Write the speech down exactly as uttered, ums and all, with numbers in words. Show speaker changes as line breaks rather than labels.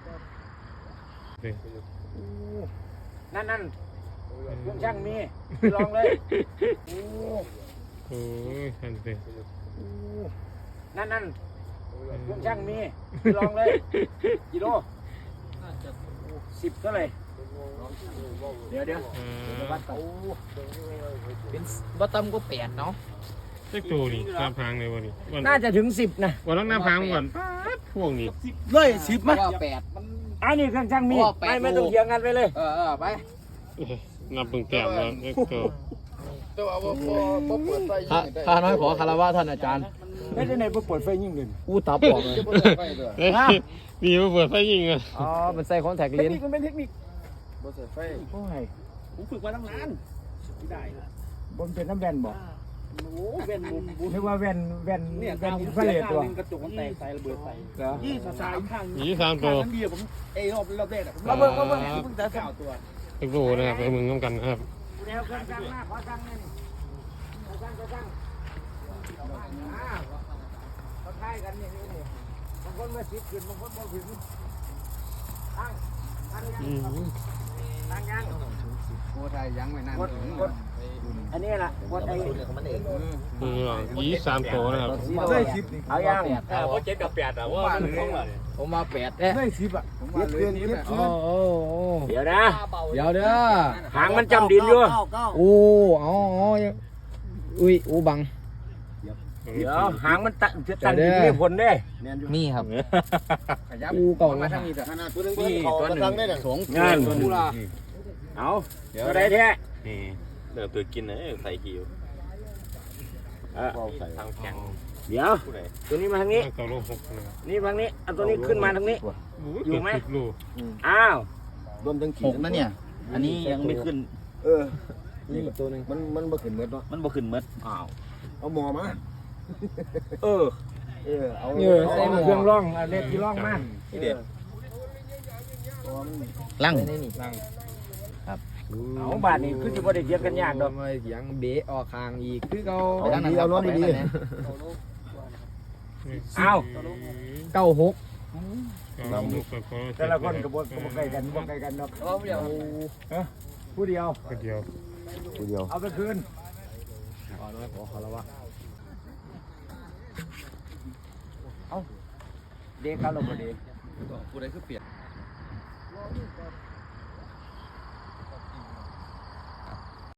นั่นนั่นเครื่องช่างมีลองเลยโอ้โหนั่นสินั่นนั่นเครื่องช่างมีลองเลยกิโลสิบเท่าไหร่เดี๋ยวเดี๋ยววัดก่อน
เป็นบัตตัมก็แปดเนาะ
เล็กตัวนี่หน้าพังเลยวันนี้
น่าจะถึงสิบนะ
วันนั้นหน้าพังก่อนพวกนี้
เลยสิบมั้ยแปด
อันนี้เครื่องช่างมีไม่ไม่ต้องเถียงกันไปเลย
เออเออไป
นับเพิ่งแต้มแล้วเล็กตัว
ข้าน้อยขอคารวะท่านอาจารย์
ไม่ได้ในเปิดไฟยิ่งเงิน
อู้ตับออกเลย
มีมาเปิดไฟยิงอ่ะ
อ๋อมันใส่คอนแทคเลนส์
มันเป็นเทคนิค
บนใส่ไฟ
โอ้ย
ผมฝึกมาตั้งนานไม่ได้
บนเป็นน้ำแวนบอก
โอ้แวนบุญบุญ
เรียกว่าแวนแวน
เนี่ย
แวนอินฟ
ฟ
ราเรดตัว
กระจกมันแตกใส่ระเบิดใส่
เหรอ
ยี่สามข้าง
ยี่สามตัว
ข้างเดียวผมเอรอบรอบแรกอะผม
มาเบิ่งมาเบิ่ง
เพิ่งจะเก้าตัว
เล็กตัวนะครับไปมึงต้องกันครับ
แนวเครื่องจังหน้าขอจังนี่ขอจังขอจังอ่าเขาใช้กันอย่างนี้นี่บางคนมาสิบขึ้นบางคนมาถึงตั้งตั้งยังตั้งยัง
โอ้ไทยยังไม่นานถึง
อันนี้แหละกดไอ้
ยี่สามตัวนะครับ
ได้สิบเอายัง
เพราะเจ็ดกับแปดอะว่ามันคงเลย
ผมมาแปดเอ๊ะ
ได้สิบอ่ะผมว่าเลยนี่โอ้โหเดี๋ยวนะ
เดี๋ยวเด้อ
หางมันจำดินอยู่
โอ้อ๋ออุ้ยอู้บัง
เดี๋ยวหางมันตั้งจะตั้งดินไม่ผลเด้
นี่ครับอู้เก่ามาทางนี้
นี่ตัวหนึ่งสอง
งานเอาตัวใดแท้
นี่เดี๋ยวตัวกินเลยใส่หิวทางแข็ง
เดี๋ยวตัวนี้มาทางนี้
ตัวลูกหก
นี่ทางนี้เอาตัวนี้ขึ้นมาทางนี้อยู่ไหมอ้าว
รวมถึงหกนะเนี่ย
อันนี้ยังไม่ขึ้น
เออนี่ตัวนึง
มันมันบ่ขึ้นเม็ดเนาะมันบ่ขึ้นเม็ด
อ้าวเอาหมอมา
เออ
เออเอา
เออใส่เครื่องร่องเอาเล็กที่ร่องมา
ที่เด็ด
ลั่ง
ลั่ง
ครับเอาบาทนี่คือจะบ่ได้เถียงกันยากดอก
ไม่เถียงเบะออกคางอีกคือเขา
ดีเอาน้องดีเอา
เก้าหก
แต่ละคนกระบวนกระบวนใกล้กันบ่ใกล้กันดอก
ผู้เดียว
ผู้เดียว
ผู้เดียว
ผู้เดียว
เอาไปคืน
อ๋อน้อยขอคารวะ
เอาเด็กเขาลงมาเด็ก
ผู้ใดคือเปลี่ยน